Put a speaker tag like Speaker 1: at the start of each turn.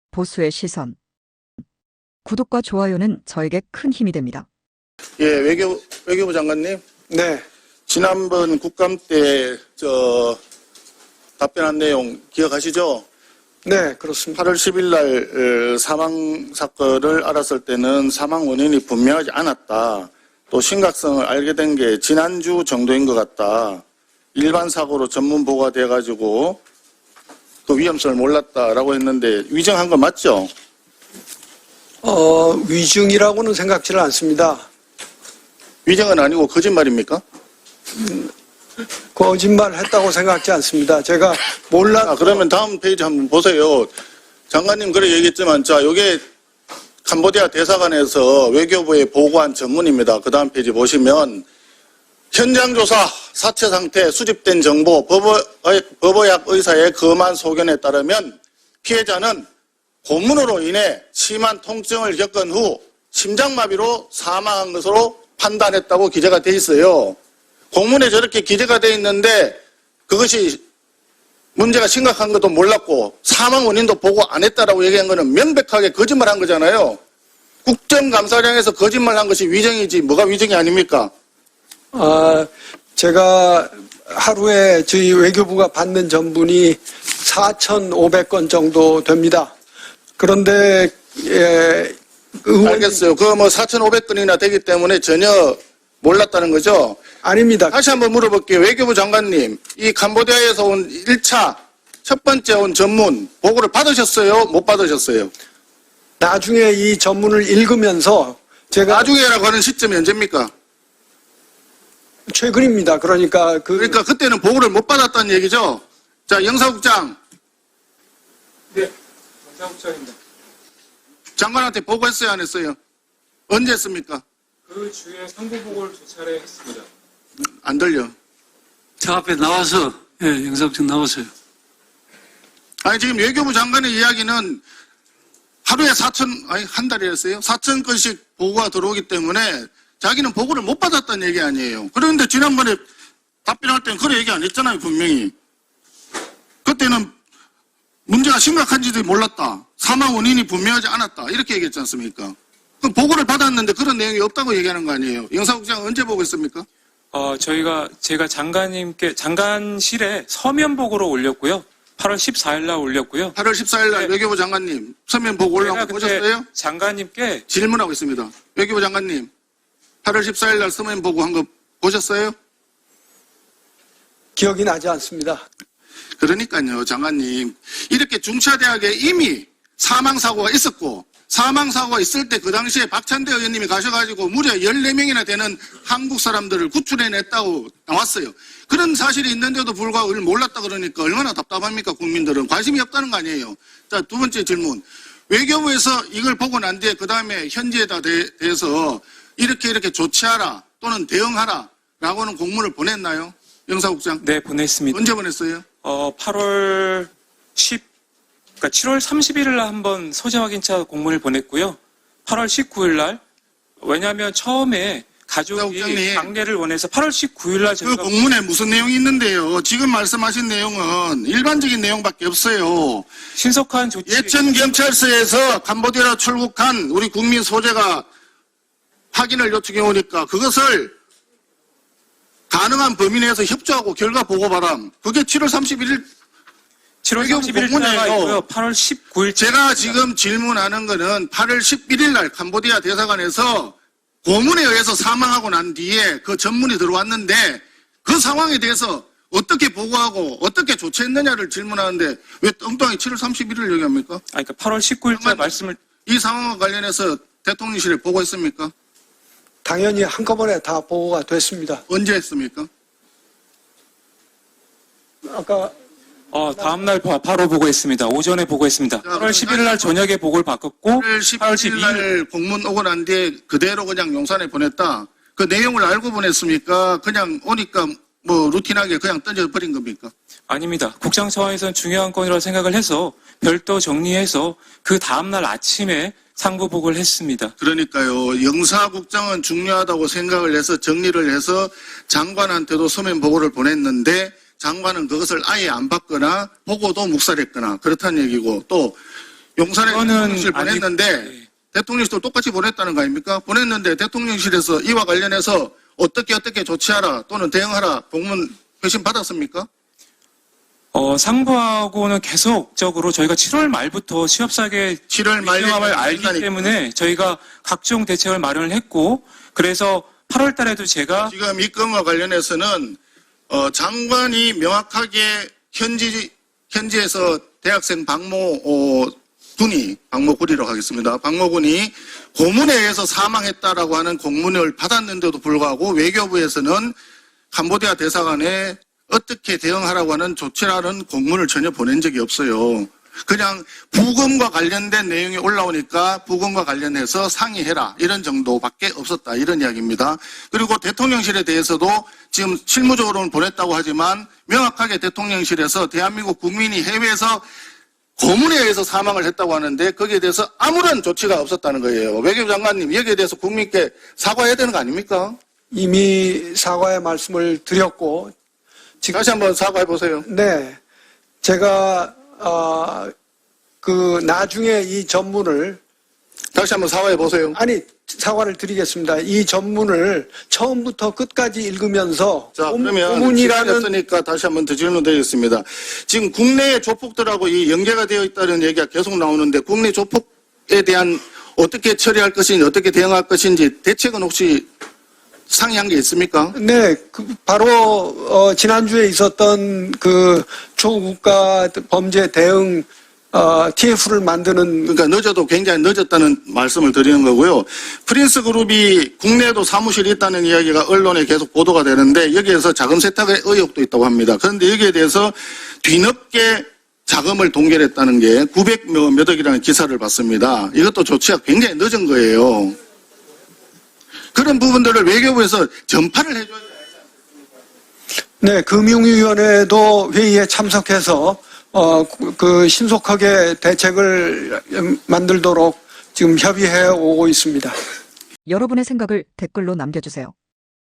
Speaker 1: 보수의 시선. 구독과 좋아요는 저에게 큰 힘이 됩니다.
Speaker 2: 예, 외교부 장관님.
Speaker 3: 네,
Speaker 2: 지난번 국감 때 답변한 내용 기억하시죠?
Speaker 3: 네, 그렇습니다.
Speaker 2: 8월 10일 날 사망 사건을 알았을 때는 사망 원인이 분명하지 않았다. 또 심각성을 알게 된 게 지난주 정도인 것 같다. 일반 사고로 전문 보고가 돼가지고 그 위험성을 몰랐다라고 했는데 위정한 거 맞죠?
Speaker 3: 위증이라고는 생각지를 않습니다.
Speaker 2: 위정은 아니고 거짓말입니까?
Speaker 3: 거짓말 했다고 생각지 않습니다. 제가
Speaker 2: 그러면 다음 페이지 한번 보세요. 장관님 그래 얘기했지만 자 요게 캄보디아 대사관에서 외교부에 보고한 전문입니다. 그 다음 페이지 보시면 현장 조사, 사체 상태, 수집된 정보, 법의학 의사의 검한 소견에 따르면 피해자는 고문으로 인해 심한 통증을 겪은 후 심장마비로 사망한 것으로 판단했다고 기재가 돼 있어요. 공문에 저렇게 기재가 돼 있는데 그것이 문제가 심각한 것도 몰랐고 사망 원인도 보고 안 했다라고 얘기한 거는 명백하게 거짓말한 거잖아요. 국정감사장에서 거짓말한 것이 위정이지 뭐가 위정이 아닙니까?
Speaker 3: 제가 하루에 저희 외교부가 받는 전분이 4,500건 정도 됩니다. 그런데
Speaker 2: 알겠어요. 그 뭐 4,500건이나 되기 때문에 전혀 몰랐다는 거죠?
Speaker 3: 아닙니다.
Speaker 2: 다시 한번 물어볼게요. 외교부 장관님, 이 캄보디아에서 온 1차 첫 번째 온 전문 보고를 받으셨어요? 못 받으셨어요?
Speaker 3: 나중에 이 전문을 읽으면서 제가
Speaker 2: 나중에라고 하는 시점이 언제입니까?
Speaker 3: 최근입니다. 그러니까
Speaker 2: 그때는 보고를 못 받았다는 얘기죠? 자, 영사국장.
Speaker 4: 네, 영사국장입니다.
Speaker 2: 장관한테 보고했어요, 안 했어요? 언제 했습니까?
Speaker 4: 그 주에 상부보고를 2차례 했습니다.
Speaker 2: 안 들려.
Speaker 5: 저 앞에 나와서, 영사국장 나왔어요.
Speaker 2: 아니, 지금 외교부 장관의 이야기는 하루에 한 달이었어요? 4,000건씩 보고가 들어오기 때문에 자기는 보고를 못 받았다는 얘기 아니에요. 그런데 지난번에 답변할 때는 그래 얘기 안 했잖아요, 분명히. 그때는 문제가 심각한지도 몰랐다. 사망 원인이 분명하지 않았다. 이렇게 얘기했지 않습니까? 그럼 보고를 받았는데 그런 내용이 없다고 얘기하는 거 아니에요. 영사국장 언제 보고했습니까?
Speaker 4: 제가 장관실에 서면 보고로 올렸고요. 8월 14일 날 올렸고요.
Speaker 2: 8월 14일 날
Speaker 4: 네.
Speaker 2: 외교부 장관님 서면 보고 올라온 거 보셨어요?
Speaker 4: 장관님께
Speaker 2: 질문하고 있습니다. 외교부 장관님 8월 14일 날 서면 보고 한 거 보셨어요?
Speaker 3: 기억이 나지 않습니다.
Speaker 2: 그러니까요, 장관님. 이렇게 중차대학에 이미 사망사고가 있었고, 사망사고가 있을 때 그 당시에 박찬대 의원님이 가셔가지고 무려 14명이나 되는 한국 사람들을 구출해냈다고 나왔어요. 그런 사실이 있는데도 불구하고 그걸 몰랐다 그러니까 얼마나 답답합니까, 국민들은. 관심이 없다는 거 아니에요. 자, 두 번째 질문. 외교부에서 이걸 보고 난 뒤에 그 다음에 현지에다 대해서 이렇게 조치하라 또는 대응하라 라고는 공문을 보냈나요? 영사국장?
Speaker 4: 네, 보냈습니다.
Speaker 2: 언제 보냈어요?
Speaker 4: 7월 30일 날 한번 소재 확인차 공문을 보냈고요. 8월 19일 날, 왜냐하면 처음에 가족이
Speaker 2: 국장님.
Speaker 4: 강례를 원해서 8월 19일 날
Speaker 2: 그
Speaker 4: 저희가
Speaker 2: 공문에 무슨 내용이 있는데요? 지금 말씀하신 내용은 일반적인 내용밖에 없어요.
Speaker 4: 신속한 조치
Speaker 2: 예천 경찰서에서 캄보디아로 출국한 우리 국민 소재가 확인을 요청해 오니까 그것을 가능한 범위 내에서 협조하고 결과 보고 바람. 그게 7월 31일
Speaker 4: 7월
Speaker 2: 외교부
Speaker 4: 31일
Speaker 2: 공문이에요.
Speaker 4: 날가 있고요. 8월 19일
Speaker 2: 제가 지금 질문하는 거는 8월 11일 날 캄보디아 대사관에서 고문에 의해서 사망하고 난 뒤에 그 전문이 들어왔는데 그 상황에 대해서 어떻게 보고하고 어떻게 조치했느냐를 질문하는데 왜 엉뚱하게 7월 31일을 얘기합니까?
Speaker 4: 그러니까 8월 19일자 말씀을
Speaker 2: 이 상황과 관련해서 대통령실에 보고했습니까?
Speaker 3: 당연히 한꺼번에 다 보고가 됐습니다.
Speaker 2: 언제 했습니까?
Speaker 3: 아까
Speaker 4: 다음날 바로 보고했습니다. 오전에 보고했습니다. 8월 11일 날 저녁에 보고를 바꿨고
Speaker 2: 8월 12일 날 공문 오고 난 뒤에 그대로 그냥 용산에 보냈다. 그 내용을 알고 보냈습니까? 그냥 오니까 뭐 루틴하게 그냥 던져버린 겁니까?
Speaker 4: 아닙니다. 국장 차원에서는 중요한 건이라고 생각을 해서 별도 정리해서 그 다음날 아침에 상부 보고를 했습니다.
Speaker 2: 그러니까요. 영사국장은 중요하다고 생각을 해서 정리를 해서 장관한테도 서면 보고를 보냈는데 장관은 그것을 아예 안 받거나 보고도 묵살했거나 그렇다는 얘기고 또 용산에
Speaker 4: 그거는
Speaker 2: 대통령실 보냈는데
Speaker 4: 아니,
Speaker 2: 대통령실도 똑같이 보냈다는 거 아닙니까? 보냈는데 대통령실에서 이와 관련해서 어떻게 조치하라 또는 대응하라 공문 회신 받았습니까?
Speaker 4: 상부하고는 계속적으로 저희가 7월 말부터 취업사계
Speaker 2: 7월 말에
Speaker 4: 위험함을 알기
Speaker 2: 된다니까.
Speaker 4: 때문에 저희가 각종 대책을 마련을 했고, 그래서 8월 달에도 제가
Speaker 2: 지금 이 건과 관련해서는 장관이 명확하게 현지에서 대학생 박모군이라고 하겠습니다. 박모군이 고문에 의해서 사망했다라고 하는 공문을 받았는데도 불구하고 외교부에서는 캄보디아 대사관에 어떻게 대응하라고 하는 조치라는 공문을 전혀 보낸 적이 없어요. 그냥 부검과 관련된 내용이 올라오니까 부검과 관련해서 상의해라 이런 정도밖에 없었다 이런 이야기입니다. 그리고 대통령실에 대해서도 지금 실무적으로는 보냈다고 하지만 명확하게 대통령실에서 대한민국 국민이 해외에서 고문에 의해서 사망을 했다고 하는데 거기에 대해서 아무런 조치가 없었다는 거예요. 외교부 장관님 여기에 대해서 국민께 사과해야 되는 거 아닙니까?
Speaker 3: 이미 사과의 말씀을 드렸고,
Speaker 2: 다시 한번 사과해 보세요.
Speaker 3: 네, 제가 나중에 이 전문을
Speaker 2: 다시 한번 사과해 보세요.
Speaker 3: 사과를 드리겠습니다. 이 전문을 처음부터 끝까지 읽으면서
Speaker 2: 자, 그러면
Speaker 3: 고문이라는
Speaker 2: 시간이었으니까 다시 한번 더 질문드리겠습니다. 지금 국내의 조폭들하고 이 연계가 되어 있다는 얘기가 계속 나오는데 국내 조폭에 대한 어떻게 처리할 것인지 어떻게 대응할 것인지 대책은 혹시 상의한 게 있습니까?
Speaker 3: 네, 바로 지난주에 있었던 그 초국가 범죄 대응 TF를 만드는
Speaker 2: 그러니까 늦어도 굉장히 늦었다는 말씀을 드리는 거고요. 프린스 그룹이 국내에도 사무실이 있다는 이야기가 언론에 계속 보도가 되는데 여기에서 자금 세탁의 의혹도 있다고 합니다. 그런데 여기에 대해서 뒤늦게 자금을 동결했다는 게 900몇 억이라는 기사를 봤습니다. 이것도 조치가 굉장히 늦은 거예요. 그런 부분들을 외교부에서 전파를 해줘야 돼요.
Speaker 3: 네, 금융위원회도 회의에 참석해서 신속하게 대책을 만들도록 지금 협의해 오고 있습니다.
Speaker 1: 여러분의 생각을 댓글로 남겨주세요.